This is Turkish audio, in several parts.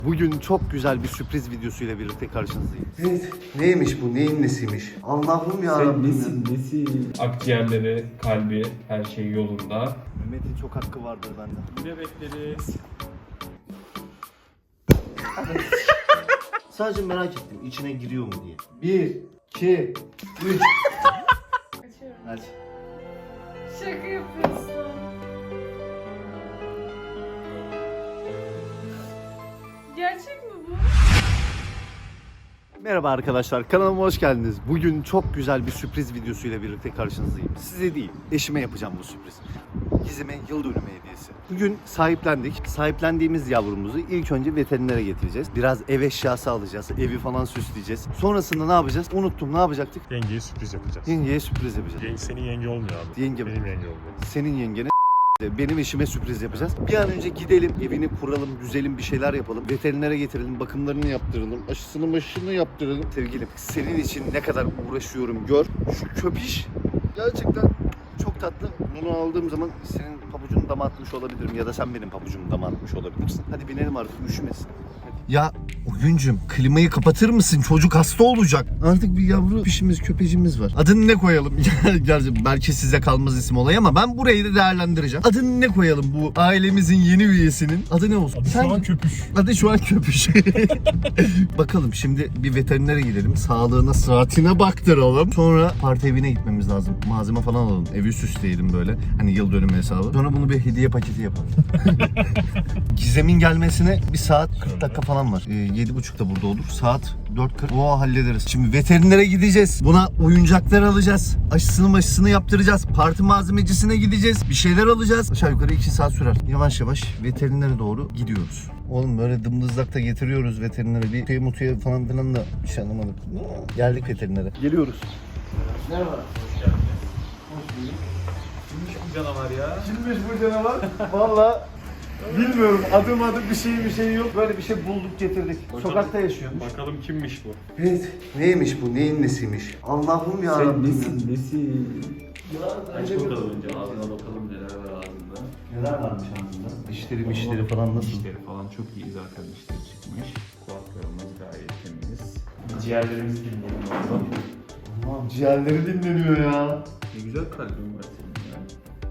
Bugün çok güzel bir sürpriz videosuyla birlikte karşınızdayım. Evet, neymiş bu? Neyin nesiymiş? Allah'ım ya Rabbim. Nesin? Akciğerleri, kalbi, her şey yolunda. Mehmet'in çok hakkı vardır bende. Ne bekleriz? Sadece merak ettim, içine giriyor mu diye. 1, 2, 3. Açıyorum. Aç. Şaka yapıyorsun. Gerçek mi bu? Merhaba arkadaşlar, kanalıma hoş geldiniz. Bugün çok güzel bir sürpriz videosuyla birlikte karşınızdayım. Size değil, eşime yapacağım bu sürpriz. Gizem'e yıl dönümü hediyesi. Bugün sahiplendik. Sahiplendiğimiz yavrumuzu ilk önce veterinere getireceğiz. Biraz ev eşyası alacağız, evi falan süsleyeceğiz. Sonrasında ne yapacağız? Unuttum, ne yapacaktık? Yengeye sürpriz yapacağız. Yengeye sürpriz yapacağız. Senin yenge olmuyor abi. Yenge mi? Benim yenge oluyor. Senin yengene benim eşime sürpriz yapacağız. Bir an önce gidelim, evini kuralım, güzelim bir şeyler yapalım. Veterinere getirelim, bakımlarını yaptıralım, aşısını yaptıralım. Sevgilim, senin için ne kadar uğraşıyorum gör. Şu köpiş gerçekten çok tatlı. Bunu aldığım zaman senin pabucunu dama atmış olabilirim ya da sen benim pabucumu dama atmış olabilirsin. Hadi binelim artık, üşümesin. Ya oyuncum, klimayı kapatır mısın? Çocuk hasta olacak. Artık bir yavru pişimiz, köpecimiz var. Adını ne koyalım? Gerçi belki size kalmaz isim olay ama ben burayı da değerlendireceğim. Adını ne koyalım bu ailemizin yeni üyesinin? Adı ne olsun? Adı şu an köpüş. Adı şu an köpüş. Bakalım şimdi bir veterinere gidelim. Sağlığına, sıhhatine baktıralım. Sonra parti evine gitmemiz lazım. Malzeme falan alalım. Evi süsleyelim böyle. Hani yıl dönümü hesabı. Sonra bunu bir hediye paketi yapalım. Gizem'in gelmesine bir saat 40 dakika falan var. 7.30'da burada olur. Saat 4.40. Oo, hallederiz. Şimdi veterinere gideceğiz. Buna oyuncaklar alacağız. Aşısını yaptıracağız. Parti malzemecisine gideceğiz. Bir şeyler alacağız. Aşağı yukarı 2 saat sürer. Yavaş yavaş veterinere doğru gidiyoruz. Oğlum böyle dımdızlakta getiriyoruz veterinere. Bir mutuya falan filan da bir şey anlamadık. Geldik veterinere. Geliyoruz. Merhaba. Hoş geldiniz. Hoş bulduk. Kimmiş bu canavar ya? Kimmiş bu canavar? Valla bilmiyorum. Adım bir şey yok. Böyle bir şey bulduk getirdik. Bakalım. Sokakta yaşıyormuş. Bakalım kimmiş bu? Evet. Neymiş bu? Neyin nesiymiş? Allah'ım ya Rabbim. nesin? Ya, Aç bakalım önce ağzına bakalım neler var ağzında. neler varmış ağzında? Dişleri falan nasıl? Dişleri falan çok iyi zaten dişleri çıkmış. Kulaklarımız gayet temiz. Ciğerlerimiz dinleyelim bakalım. Aman ciğerleri dinleniyor ya. Ne güzel kalbin var senin ya.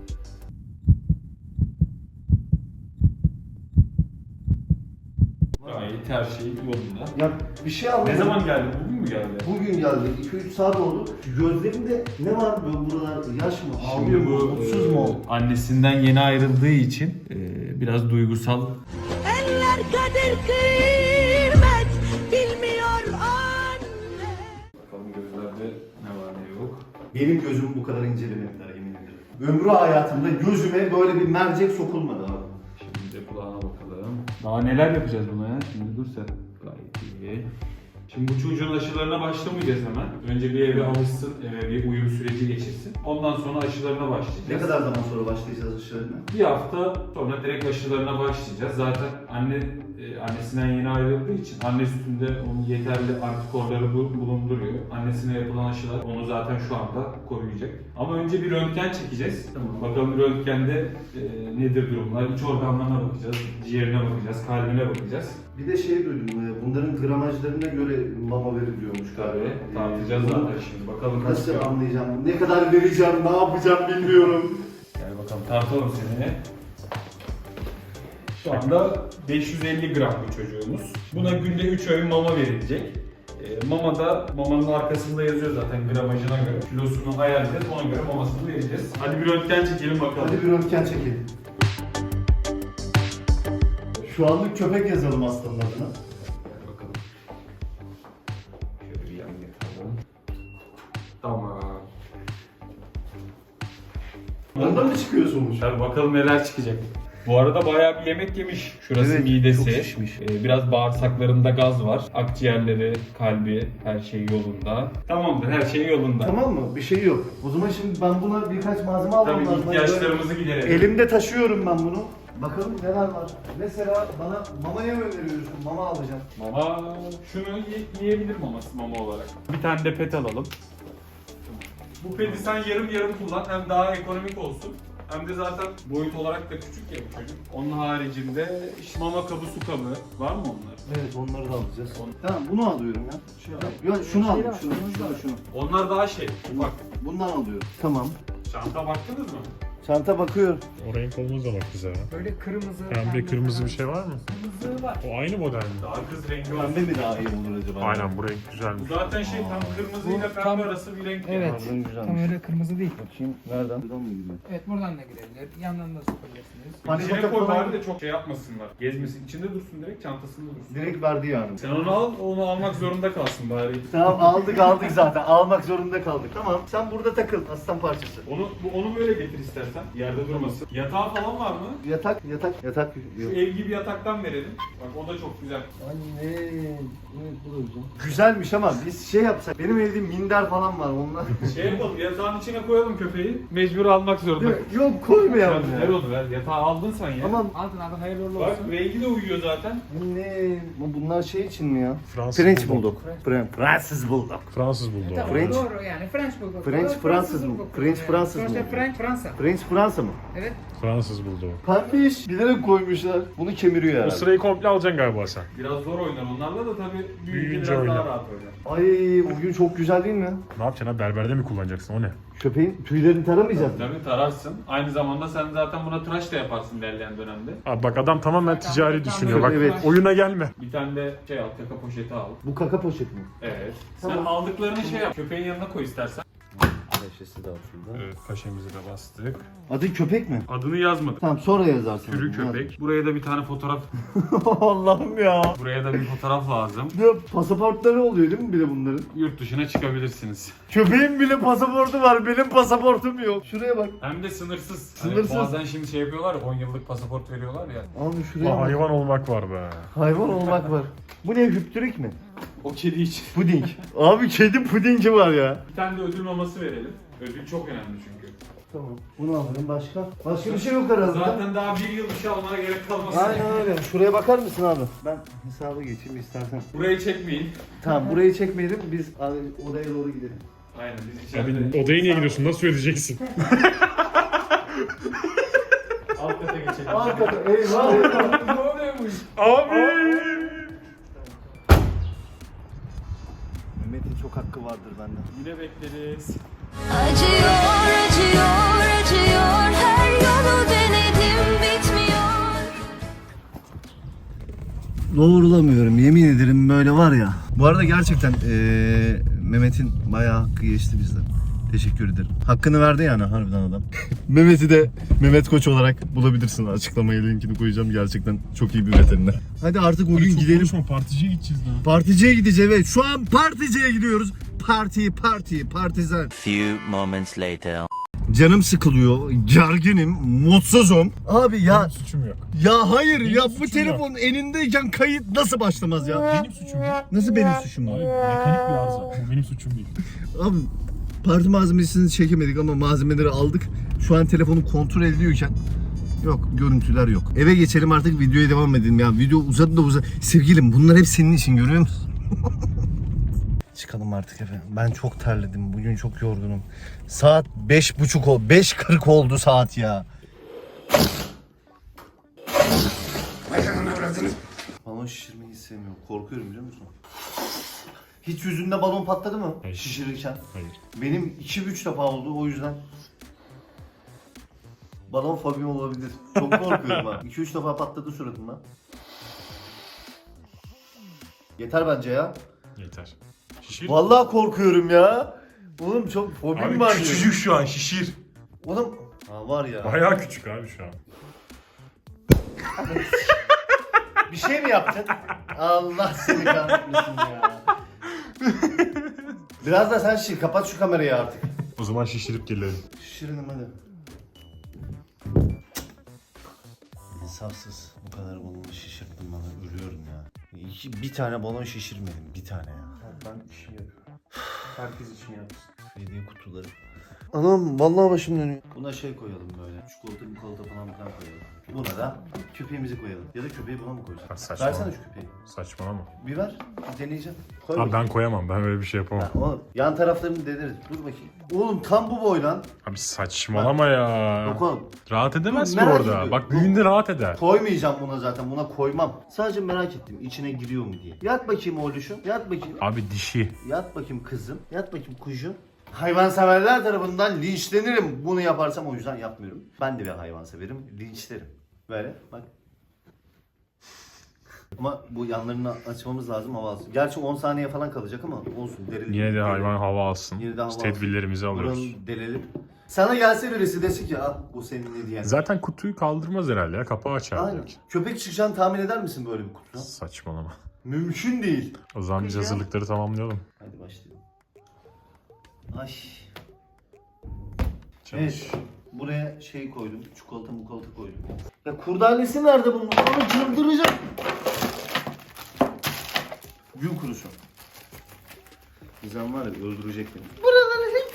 Gayet her şey yolunda. Ya bir şey anlamadım. Ne zaman geldi? Bugün mü geldi? Bugün geldi. 2-3 saat oldu. Şu gözlerinde ne var böyle buralar? Yaş mı? Ağlıyor Şimdi mu? bu Mutsuz mu? annesinden yeni ayrıldığı için biraz duygusal. Eller kadir kıymet bilmiyor anne. Bakalım gözlerde ne var ne yok. Benim gözümü bu kadar incelemediler yemin ederim. Ömrü hayatımda gözüme böyle bir mercek sokulmadı abi. Şimdi de kulağına bakalım. Daha neler yapacağız buna ya? Şimdi dur sen. Gayet iyi. Şimdi bu çocuğun aşılarına başlamayacağız hemen. Önce bir eve alışsın, eve bir uyum süreci geçirsin. Ondan sonra aşılarına başlayacağız. Ne kadar zaman sonra başlayacağız aşılarına? Bir hafta sonra direkt aşılarına başlayacağız. Zaten annesinden yeni ayrıldığı için anne sütünde onun yeterli antikorları bulunduruyor. Annesine yapılan aşılar onu zaten şu anda koruyacak. Ama önce bir röntgen çekeceğiz. Tamam. Bakalım röntgende nedir durumlar? İç organlarına bakacağız, ciğerine bakacağız, kalbine bakacağız. Bir de şey duydum, bunların gramajlarına göre mama veriliyormuş galiba. Tartacağız Bunu zaten şimdi. Bakalım Nasıl anlayacağım, ne kadar vereceğim, ne yapacağım bilmiyorum. Gel bakalım tartalım seni. Şu anda 550 gram bir çocuğumuz. Buna günde 3 öğün mama verilecek. Mamanın arkasında yazıyor zaten gramajına göre. Kilosunu ayarlayacağız, ona göre mamasını vereceğiz. Hadi bir röntgen çekelim bakalım. Hadi bir röntgen çekelim. Şu anlık köpek yazalım hastanın adına. Gel bakalım. Şöyle bir yan yatalım. Tamam. Ondan mı çıkıyor sonuç? Tabii bakalım neler çıkacak. Bu arada bayağı bir yemek yemiş. Şurası Evet, midesi. çok şişmiş. Biraz bağırsaklarında gaz var. Akciğerleri, kalbi, her şey yolunda. Tamamdır, her şey yolunda. Tamam mı? Bir şey yok. O zaman şimdi ben buna birkaç malzeme almam Tabii lazım. ihtiyaçlarımızı giderelim. Elimde taşıyorum ben bunu. Bakalım neler var. Mesela bana mamaya mı öneriyorsun? Mama alacağım. Mama, şunu yiyebilir mama olarak. Bir tane de pet alalım. Bu peti sen yarım yarım kullan, hem daha ekonomik olsun. Hem de zaten boyut olarak da küçük ya bu çocuk. Onun haricinde işte mama kabı, su kabı var mı onlar? Evet, onları da alacağız. Tamam, bunu alıyorum ya. Yok, şunu alayım, şunu. Onlar daha ufak. Bundan alıyorum. Tamam. Şanta baktınız mı? Çanta bakıyor. O renk olmaz da bak bize ya. Böyle kırmızı. Pembe kırmızı bir şey var mı? Kırmızı var. O aynı model mi? Daha kız rengi olsun. Pembe mi daha iyi olur acaba? Aynen bu renk güzelmiş. Bu zaten tam kırmızıyla Bu pembe tam- arası bir renk. Evet. Pardon, güzelmiş. Tam öyle kırmızı değil. Bakayım, nereden? Buradan mı gidiyor? Evet buradan da girebilir. Yandan da sokabilirsiniz. Hani İçine fotoğraf koy falan- bari de çok yapmasınlar. Gezmesin. İçinde dursun direkt, çantasında dursun. Direkt verdi yani. Sen onu al, onu almak zorunda kalsın bari. Tamam, aldık zaten. Almak zorunda kaldık. Tamam, sen burada takıl aslan parçası. Onu böyle getir istersen. Yerde durmasın. Yatağı falan var mı? Yatak. Şu ev gibi yataktan verelim. Bak o da çok güzel. Anne, evet bu da güzel. Güzelmiş ama biz şey yapsak. Benim evde minder falan var onlar. Şey yapalım, yatağın içine koyalım köpeği. Mecbur almak zorunda. Yok, koymayalım Ver ya. onu ver. Yatağı aldın sen ya. Tamam. Aldın hayırlı uğurlu Bak olsun. rengi de uyuyor zaten. Anne, bunlar şey için mi ya? Fransız French Bulldog. Bulldog. Fransız Bulldog. Fransız Bulldog. Tamam, French- doğru yani French Bulldog. French Doğru, Fransız mı? Bulldog. French Fransız mı? Sonuçta French Fransa. French Fransa mı? Evet. Fransız Bulldog. Pembiş. Bilerek koymuşlar. Bunu kemiriyor O herhalde. sırayı komple alacaksın galiba sen. Biraz zor oynar onlarla da tabii büyüyünce Büyüyünce biraz oynar. daha rahat oynar. Ay, bugün çok güzel değil mi? Ne yapacaksın ha? Berberde mi kullanacaksın o ne? Köpeğin tüylerini taramayacağız mı? Tabii tararsın. Aynı zamanda sen zaten buna tıraş da yaparsın ilerleyen dönemde. Abi bak adam tamamen ticari düşünüyor. Bak Evet. oyuna gelme. Bir tane de şey al, kaka poşeti al. Bu kaka poşeti mi? Evet. Tamam. Sen aldıklarını şey yap, köpeğin yanına koy istersen. Neşesi de şurada. Evet kaşemizi de bastık. Adı köpek mi? Adını yazmadık. Tamam, sonra yazarsın. Türü köpek. Buraya da bir tane fotoğraf, Allah'ım ya. buraya da bir fotoğraf lazım. Ya pasaportları oluyor değil mi bir de bunların? Yurt dışına çıkabilirsiniz. Köpeğin bile pasaportu var, benim pasaportum yok. Şuraya bak. Hem de sınırsız. Sınırsız. Hani bazen şimdi şey yapıyorlar ya, 10 yıllık pasaport veriyorlar ya. Abi şuraya Ulan bak. hayvan olmak var be. Hayvan olmak var. Bu ne, hüptürük mi? O kedi için. Puding. Abi kedi pudingi var ya. Bir tane de ödül maması verelim. Ödül çok önemli çünkü. Tamam. Bunu alırım, başka? Başka bir şey yok herhalde. Zaten daha bir yıl bir şey almana gerek kalmasın. Aynen öyle. Şuraya bakar mısın abi? Ben hesaba geçeyim istersen. Burayı çekmeyin. Tamam, burayı çekmeyelim. Biz abi odaya doğru gidelim. Aynen biz içeride. Abi odaya niye gidiyorsun? Nasıl ödeyeceksin? Alt kata geçelim. Arkada eyvah eyvah. Ne oluyormuş? Abi! Mehmet'in çok hakkı vardır benden. Yine bekleriz. Acıyor, acıyor, acıyor. Her yolu denedim bitmiyor. Doğrulamıyorum, yemin ederim böyle var ya. Bu arada gerçekten Mehmet'in bayağı hakkı geçti bizden. Teşekkür ederim. Hakkını verdi yani harbiden adam. Mehmet'i de Mehmet Koç olarak bulabilirsin. Açıklamaya linkini koyacağım. Gerçekten çok iyi bir veteriner. Hadi artık o gün gidelim. Konuşma, particiye gideceğiz daha. Particiye gideceğiz, evet. Şu an particiye gidiyoruz. Partizan. Few moments later. Canım sıkılıyor, gerginim, mutsuzum. Abi ya, Benim suçum yok. ya hayır Benim ya, bu suçum telefon elindeyken kayıt nasıl başlamaz ya? Benim suçum yok. Nasıl benim suçum Abi var? mekanik bir arıza. Bu benim suçum değil. Abi parti malzemesini çekemedik ama malzemeleri aldık. Şu an telefonu kontrol ediyorken yok, görüntüler yok. Eve geçelim artık, videoya devam edelim ya. Video uzadı da uzadı. Sevgilim, bunlar hep senin için, görüyor musun? Çıkalım artık efendim. Ben çok terledim. Bugün çok yorgunum. Saat 5.30 oldu. 5.40 oldu saat ya. Balon şişirmeyi hiç sevmiyorum. Korkuyorum, biliyor musun? Hiç yüzünde balon patladı mı? Hayır. Şişirirken. Hayır. Benim 2-3 defa oldu, o yüzden. Balon fobim olabilir. Çok korkuyorum ha. 2-3 defa patladı suratımda. Yeter bence ya. Yeter. Şişir. Vallahi korkuyorum ya. Oğlum çok fobim Abi var. küçücük şu an şişir. Oğlum. Ha var ya. Bayağı küçük abi şu an. Bir şey mi yaptın? Allah seni kahretmesin ya. Biraz da sen şişir. Kapat şu kamerayı artık. O zaman şişirip gelelim. Şişirelim hadi. İnsafsız. Bu kadar balonu şişirttin bana. Ölüyorum ya. Bir tane balon şişirmedim. Bir tane ya. Ben işimi yapıyorum. Herkes için yapsın. Hediye kutuları. Anam vallahi başım dönüyor. Buna şey koyalım böyle. Çikolata falan koyalım. Buna da köpeğimizi koyalım. Ya da köpeği buna mı koyacağız? Ha, saçma. Versene şu köpeği. Saçmalama. Bir ver. Bir deneyeceğim. Koy Abi bakayım. ben koyamam. Ben öyle bir şey yapamam. Ha, oğlum yan taraflarını deneriz. Dur bakayım. Oğlum tam bu boy lan. Abi saçmalama ya. Yok oğlum. Rahat edemez Dur, ki merak orada. ediyorum. Bak büyüğünde rahat eder. Koymayacağım buna zaten. Buna koymam. Sadece merak ettim. İçine giriyor mu diye. Yat bakayım oğluşum. Yat bakayım. Abi dişi. Yat bakayım kızım. Yat bakayım kuşum. Hayvanseverler tarafından linçlenirim. Bunu yaparsam o yüzden yapmıyorum. Ben de bir hayvanseverim. Linçlerim. Böyle bak. Ama bu yanlarını açmamız lazım, hava alsın. Gerçi 10 saniye falan kalacak ama olsun. Derilelim. Yine de hayvan hava alsın. Yine de hava Biz alsın. tedbirlerimizi alıyoruz. Buranı delelim. Sana gelse birisi desin ki al bu senin ne diyen. Zaten kutuyu kaldırmaz herhalde ya. Kapağı açar Aynen. direkt. Köpek çıkacağını tahmin eder misin böyle bir kutudan? Saçmalama. Mümkün değil. O zaman biz hazırlıkları tamamlayalım. Hadi başlayalım. Ay. Çalış. Evet. Buraya şey koydum. Çikolata koydum. Ya kurdalesi nerede bunun? Onu çıldıracağım. Gün kurusu. Gizem var ya öldürecek beni. Buraları hep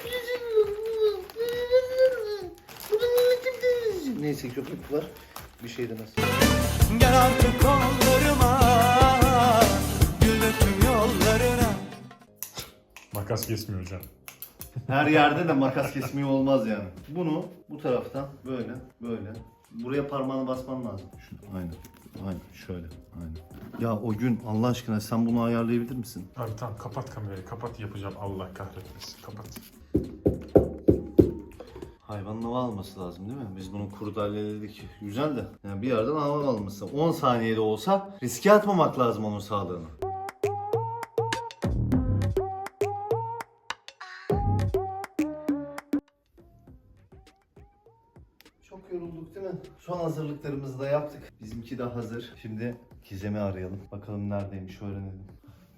neyse köpek var. Bir şey demez. Gel artık kollarıma, gül döktüm yollarına. Makas kesmiyor hocam. Her yerde de makas kesmiyor olmaz yani. Bunu bu taraftan böyle. Buraya parmağını basman lazım. Aynen şöyle. Aynen. Ya o gün Allah aşkına sen bunu ayarlayabilir misin? Abi tamam kapat kamerayı. Kapat yapacağım. Allah kahretmesin. Kapat. Hayvanın hava alması lazım değil mi? Biz bunu kurdaleledik. Güzel de. Yani bir yerden hava alması. 10 saniyede olsa riske atmamak lazım onun sağlığını. Çok yorulduk değil mi? Son hazırlıklarımızı da yaptık. Bizimki de hazır. Şimdi Gizem'i arayalım. Bakalım neredeymiş öğrenelim.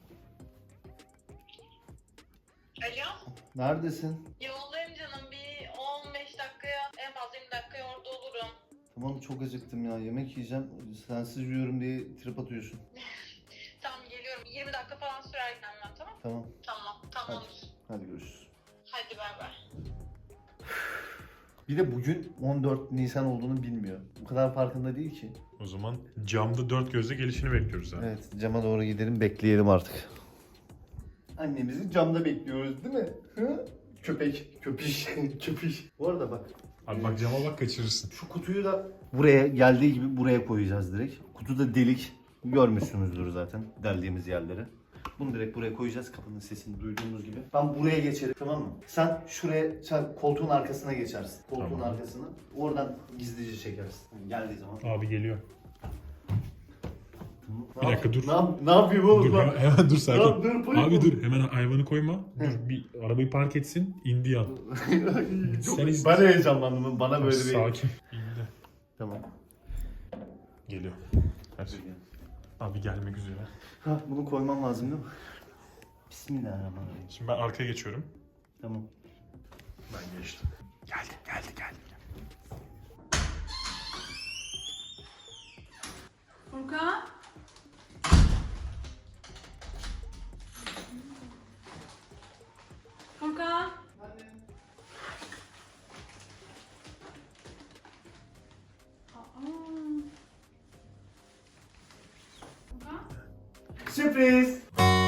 Alo, Neredesin? yoldayım canım. Bir 15 dakikaya, en fazla 20 dakikaya orada olurum. Tamam çok acıktım ya. Yemek yiyeceğim. Sensiz yiyorum diye trip atıyorsun. Tamam geliyorum. 20 dakika falan sürer gelmem, tamam? Tamam. Tamam. Hadi görüşürüz. Hadi bay bay. Bir de bugün 14 Nisan olduğunu bilmiyor. Bu kadar farkında değil ki. O zaman camda dört gözle gelişini bekliyoruz abi. Evet, cama doğru gidelim, bekleyelim artık. Annemizi camda bekliyoruz değil mi? Hı? Köpiş. Bu arada bak. Abi bak cama bak kaçırırsın. Şu kutuyu da buraya geldiği gibi buraya koyacağız direkt. Kutuda delik. Görmüşsünüzdür zaten deldiğimiz yerleri. Bunu direkt buraya koyacağız. Kapının sesini duyduğunuz gibi. Ben buraya geçerim, tamam mı? Sen koltuğun arkasına geçersin. Koltuğun Tamam. arkasına. Oradan gizlice çekersin. Yani geldiği zaman. Abi geliyor. Ne Bir dakika, yap- dur. Ne yapayım oğlum? Dur hemen dur sakin. Tamam, dur, koyma. Abi dur hemen hayvanı koyma. Dur bir arabayı park etsin. İndi yan. Sen iz- Ben heyecanlandım. Bana böyle bir... Sakin. İndi. Tamam. Geliyor. Her şey. Abi gelmek üzere. Ha, bunu koymam lazım değil mi? Bismillahirrahmanirrahim. Şimdi ben arkaya geçiyorum. Tamam. Ben geçtim. Geldi. Furkan? Furkan? Furkan? Sürpriz!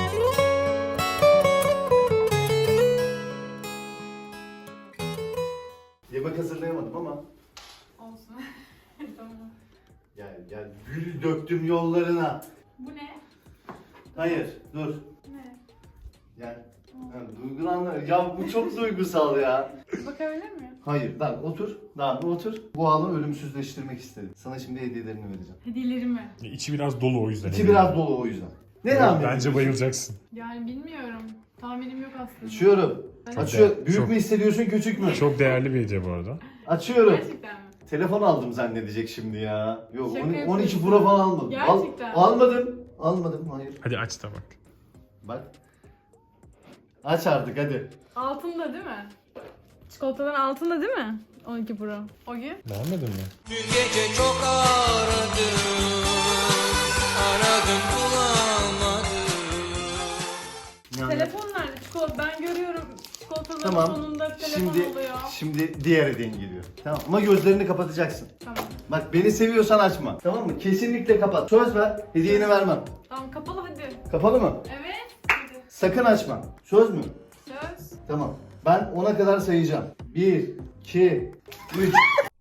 Yemek hazırlayamadım ama Olsun. Tamam. gel gül döktüm yollarına. Bu ne? Hayır dur. Ne? Gel. Duygulanma. Ya bu çok duygusal ya. Bakabilir miyim? Hayır lan otur. Lan otur. Bu anı ölümsüzleştirmek istedim. Sana şimdi hediyelerini vereceğim. Hediyelerimi. İçi biraz dolu o yüzden. İçi biraz dolu o yüzden. Ne Evet, tahmin bence ediyorsun? bayılacaksın. Yani bilmiyorum. Tahminim yok aslında. Açıyorum. Hadi. Açıyor. Büyük Çok- mü hissediyorsun küçük mü? Çok değerli bir hediye bu arada. Açıyorum. Gerçekten mi? Telefon aldım zannedecek şimdi ya. Yok Şaka 12 yapıyorsun. Pro falan almadım. Gerçekten. Almadım hayır. Hadi aç da bak. Bak. Aç artık hadi. Altında değil mi? Çikolatadan altında değil mi? 12 Pro. O gün. Beğenmedin mi? Dün gece çok aradım, bulamadım. Yani Telefon nerede? Ben görüyorum. çikolataların Tamam. sonunda telefon oluyor. Şimdi diğer hediyen geliyor. Tamam ama gözlerini kapatacaksın. Tamam. Bak beni seviyorsan açma. Tamam mı? Kesinlikle kapat. Söz ver. Hediyeni vermem. Tamam kapalı hadi. Kapalı mı? Evet. Hadi. Sakın açma. Söz mü? Söz. Tamam. Ben 10'a kadar sayacağım. 1, 2, 3.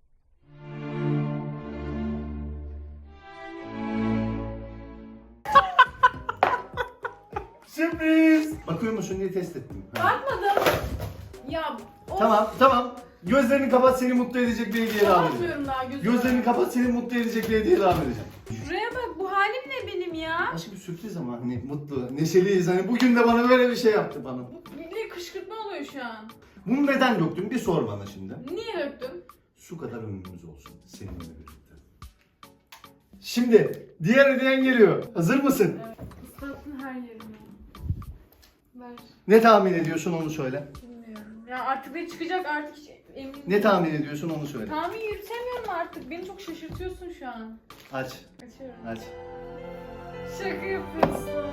Sürpriz. Bakıyor musun diye test ettim. Ha. Bakmadım. Ya of. Tamam. Gözlerini kapat, seni mutlu edecek bir hediye devam edeceğim. Bakmıyorum daha gözüme. Gözlerini kapat, seni mutlu edecek bir hediye devam edeceğim. Şuraya bak, bu halim ne benim ya? Aşkım sürpriz ama hani mutlu, neşeliyiz. Hani bugün de bana böyle bir şey yaptı bana. Bu bir kışkırtma oluyor şu an. Bunu neden döktün? Bir sor bana şimdi. Niye döktün? Şu kadar ömrümüz olsun seninle birlikte. Şimdi diğer hediyen geliyor. Hazır mısın? Evet. Islattın her yerimi. Ver. Ne tahmin ediyorsun onu söyle. Bilmiyorum. Ya artık ne çıkacak artık emin değilim. Ne tahmin ediyorsun onu söyle. Tahmin yürütemiyorum artık. Beni çok şaşırtıyorsun şu an. Aç. Açıyorum. Aç. Şaka yapıyorsun.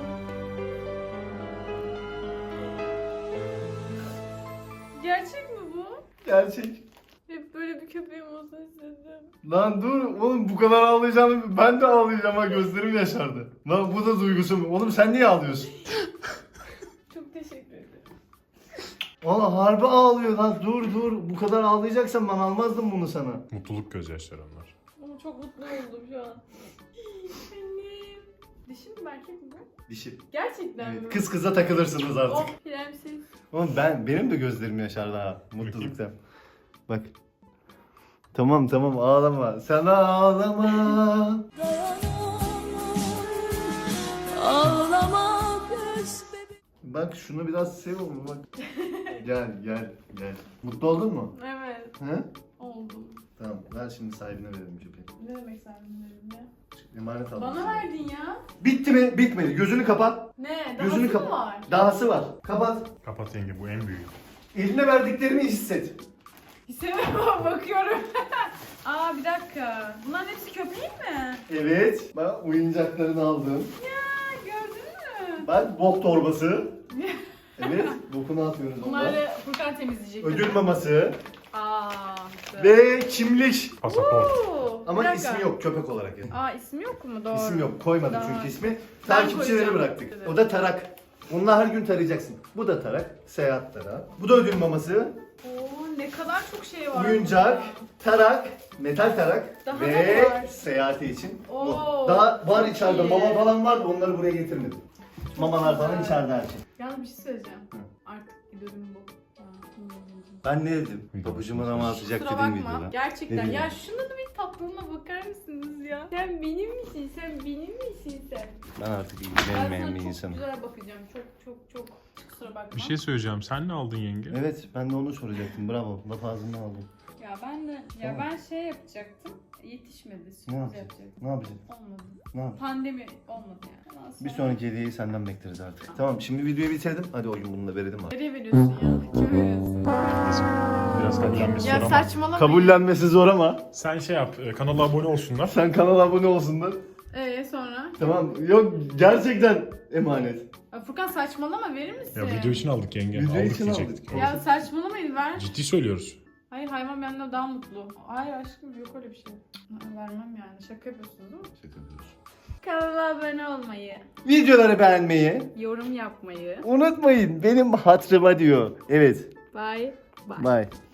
Gerçek mi bu? Gerçek. Hep böyle bir köpeğim olsun istedim. Lan dur oğlum bu kadar ağlayacağını ben de ağlayacağım ha gözlerim yaşardı. Lan bu da duygusu mu? Oğlum sen niye ağlıyorsun? Çok teşekkür ederim. Valla harbi ağlıyor lan dur bu kadar ağlayacaksan ben almazdım bunu sana. Mutluluk gözyaşları onlar. Ama çok mutlu oldum şu an. Annem. Dişi mi erkek mi bu? Dişi. Gerçekten mi? Evet, kız kıza takılırsınız artık. Oh prenses. Oğlum benim de gözlerim yaşardı ha mutluluktan. Bak. Tamam ağlama. Sen ağlama. Ağlama göz bebeğim. Bak şunu biraz sev oğlum bak. Gel. Mutlu oldun mu? Evet. He? Oldum. Tamam ver şimdi sahibine verelim köpeği. Ne demek sahibinlerim ya? Emanet aldım. Bana verdin ya. Bitti mi? Bitmedi. Gözünü kapat. Ne? Gözünü Dahası kapat. mı var? Dahası var. Kapat. Kapat yenge, bu en büyüğü. Eline verdiklerini hisset. Hissediyorum bakıyorum. Aa bir dakika. Bunların hepsi köpeğin mi? Evet. Bak oyuncaklarını aldım. Ya gördün mü? Bak bok torbası. Evet. Bokunu atmıyoruz ondan. Bunları Furkan temizleyecek. Ödül maması. Aa. Ve kimlik. Pasaport. Ama Bir dakika. ismi yok köpek olarak yani. Aa ismi yok mu? Doğru. İsim yok. Koymadık Daha- çünkü ismi. Ben Takipçileri koyacağım. bıraktık. Evet. O da tarak. Onunla her gün tarayacaksın. Bu da tarak. Seyahat tarağı. Bu da ödül maması. Oo ne kadar çok şey var. Oyuncak, burada. tarak, metal tarak Daha ve ne var? seyahati için. Bu. Oo, Daha var çok içeride iyi. mama falan var da onları buraya getirmedim. Mamalar falan güzel. içeride her şey. Yalnız bir şey söyleyeceğim. Hı. Artık idolüm bu. Ben ne dedim? Video. Babacımın ama atacak Kusura dediğim bakma. videoda. Gerçekten. Ne Ya diyeyim? şuna da bir tatlılığına bakar mısınız ya? Sen benim misin? Sen benim misin sen? Ben artık Ben ilgilenmeyen sana bir çok insanım. güzel bakacağım. Çok. Kusura bakma. Bir şey söyleyeceğim. Sen ne aldın yenge? Evet ben de onu soracaktım. Bravo. Laf ağzından aldım. Ya ben de Tamam. ben şey yapacaktım. Yetişmedi. Ne Sürpriz yapacaksın? yapacaktım. Ne yapacaksın? Olmadı. Ne yapacaksın? Pandemi olmadı yani. Ondan Bir sonra- sonraki hediyeyi senden bekleriz artık. Tamam şimdi videoyu bitirdim. Hadi o gün bunu da verelim abi. Nereye veriyorsun ya? Kime veriyorsun? Biraz kabullenmesi Ya zor ama. saçmalama. Kabullenmesi zor ama. Sen şey yap, kanala abone olsunlar. Sen kanala abone olsunlar. Sonra? Tamam. Yok gerçekten emanet. Ya Furkan saçmalama verir misin? Ya video için aldık yenge. Video aldık için diyecektik. aldık. Ya saçmalamayın ver. Ciddi söylüyoruz. Hayır hayvan benden daha mutlu. Hayır aşkım yok öyle bir şey. Vermem yani. Şaka yapıyorsunuz değil mi? Kanala abone olmayı, Videoları beğenmeyi yorum yapmayı. unutmayın. Benim hatırıma diyor. Evet. Bye. Bye.